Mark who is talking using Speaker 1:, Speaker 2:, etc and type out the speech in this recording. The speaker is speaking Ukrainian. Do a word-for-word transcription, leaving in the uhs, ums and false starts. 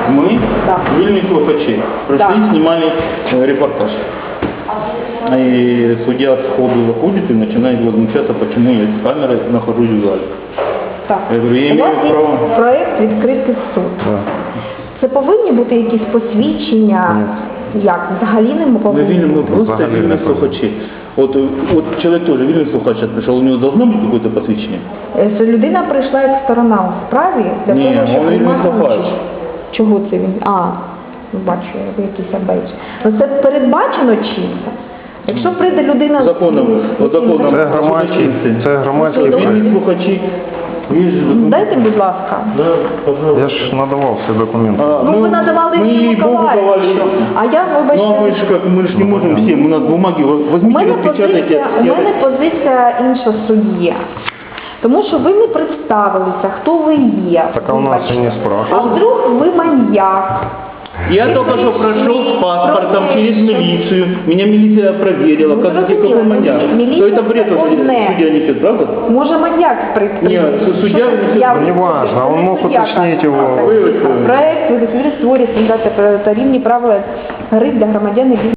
Speaker 1: Мы,
Speaker 2: Да.
Speaker 1: вольные слухачи, пришли,
Speaker 2: Да.
Speaker 1: снимали э, репортаж. И судья сходу заходит и начинает возмущаться, почему я с камерой нахожусь в зале.
Speaker 2: Так.
Speaker 1: Я говорю, я
Speaker 2: У вас
Speaker 1: имею
Speaker 2: є
Speaker 1: право.
Speaker 2: проєкт «Відкритий суд».
Speaker 3: Да.
Speaker 2: Це повинні бути якісь посвідчення? Як? Взагалі не
Speaker 1: Мы
Speaker 2: повинні?
Speaker 1: видим, мы просто
Speaker 3: Взагалі не
Speaker 1: вольные
Speaker 3: повинні.
Speaker 1: слухачи. Вот, э, вот человек тоже вольный слухач сейчас пришел, у него должно быть какое-то посвящение?
Speaker 2: Е, Що людина прийшла як сторона у справі для
Speaker 1: Ні,
Speaker 2: того, щоб
Speaker 1: він не
Speaker 2: приймати
Speaker 1: слухач.
Speaker 2: участь. Чого це він? А, бачу, ви якийсь абейдж. Ну це передбачено чимось? Якщо прийде людина... з-
Speaker 1: Законом,
Speaker 2: з-
Speaker 1: от законом.
Speaker 3: Це громадський, це громадський
Speaker 2: Добре.
Speaker 3: проект.
Speaker 1: Вольные слухачи. Есть же документы.
Speaker 2: Дайте, будь ласка.
Speaker 1: Да, пожалуйста.
Speaker 3: Я ж надавав всі документи.
Speaker 1: А,
Speaker 2: Ну, ви надавали
Speaker 1: мы
Speaker 2: Ігорю
Speaker 1: ей Богу давали.
Speaker 2: Миколаївичу. А я,
Speaker 1: Ну, а мы
Speaker 2: вибачте,
Speaker 1: же как, мы же не можем всем, у нас бумаги,
Speaker 2: у
Speaker 1: возьмите,
Speaker 2: мене
Speaker 1: распечатайте.
Speaker 2: позиція, у
Speaker 1: Я-
Speaker 2: мене позиція інша суддя. Тому що ви не представилися, хто ви є.
Speaker 3: Так а у нас
Speaker 2: Вибачте.
Speaker 3: і не
Speaker 2: А
Speaker 3: спрашивали.
Speaker 2: вдруг ви маньяк?
Speaker 1: Я только что прошел с паспортом через милицию, меня милиция проверила,
Speaker 2: Ну,
Speaker 1: как я
Speaker 2: разумею,
Speaker 1: какой маньяк.
Speaker 2: милиция
Speaker 1: То это бред,
Speaker 2: это
Speaker 1: вот,
Speaker 2: одне.
Speaker 1: судья несет, правда?
Speaker 2: Може маньяк прийти?
Speaker 1: Ні, суддя
Speaker 2: Що
Speaker 1: внесет-
Speaker 2: я-
Speaker 3: Ну, не важно, он мог
Speaker 2: суддя
Speaker 3: уточнить
Speaker 2: каже.
Speaker 3: его.
Speaker 2: Так,
Speaker 1: Вивести.
Speaker 2: Проект «Відкритий створює стандарти та рівні правила гри для громадян і